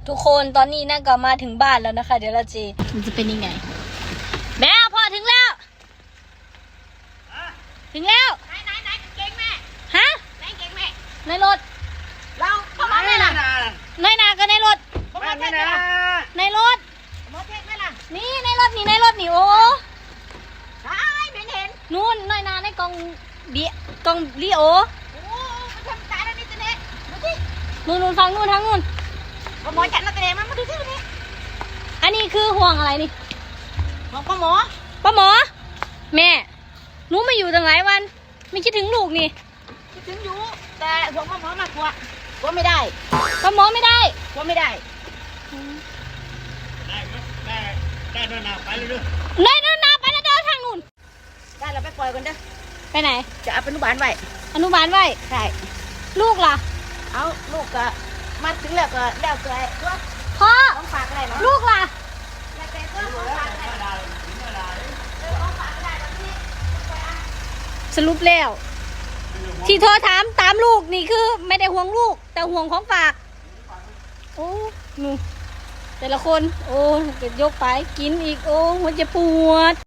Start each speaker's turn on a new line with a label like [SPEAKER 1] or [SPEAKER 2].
[SPEAKER 1] ทุกคนตอนนี้น่าก็มาถึงบ้านแล้วนะคะเดี๋ยวเราจะมันจะเป็นยังไงแม่พอถึงแล้วถึงแล้วไหนเก่งแม่ฮะไหนเก่งแม่ในรถเราเข้ามาไม่ล่ะในนาก็ในรถไม่นะในรถมอเทศไหมล่ะนี่ในรถนี่โอ้ใช่ไม่เห็นนู่นในนาในกองกองลีโอมันทำตายแล้วนี่ตัวนี้ดูสินู่นฟังนู่นทางนู่นหมอจัดมาตัวนี้มาดูสิตัวนี้อันนี้คือห่วงอะไรนี่ห่วงป้าหมอแม่หนูมาอยู่ตั้งหลายวันไม่คิดถึงลูกนี่คิดถึงอยู่แต่ห่วงป้าหมอมากกว่าไม่ได้ป้าหมอไม่ได้กลัวไม่ได้ได้นู่นนาไปแล้วเด้อได้นู่นนาไปแล้วเด้อทางนู่นได้เราไปปล่อยกันเด้อไปไหนจะเอาอนุบาลไว้ใช่ลูกล่ะเอาลูกก็มาถึงแล้วก็แล้วเกยตัวพ่อต้องฝากอะไรเนาะลูกล่ะแล้วแต่ตัวต้องฝากอะไรต้องฝากอะไรบางทีสรุปแล้วที่โทรถามตามลูกนี่คือไม่ได้ห่วงลูกแต่ห่วงของฝากโอ้หนูแต่ละคนโอ้เกิดยกไปกินอีกโอ้หัวจะปวด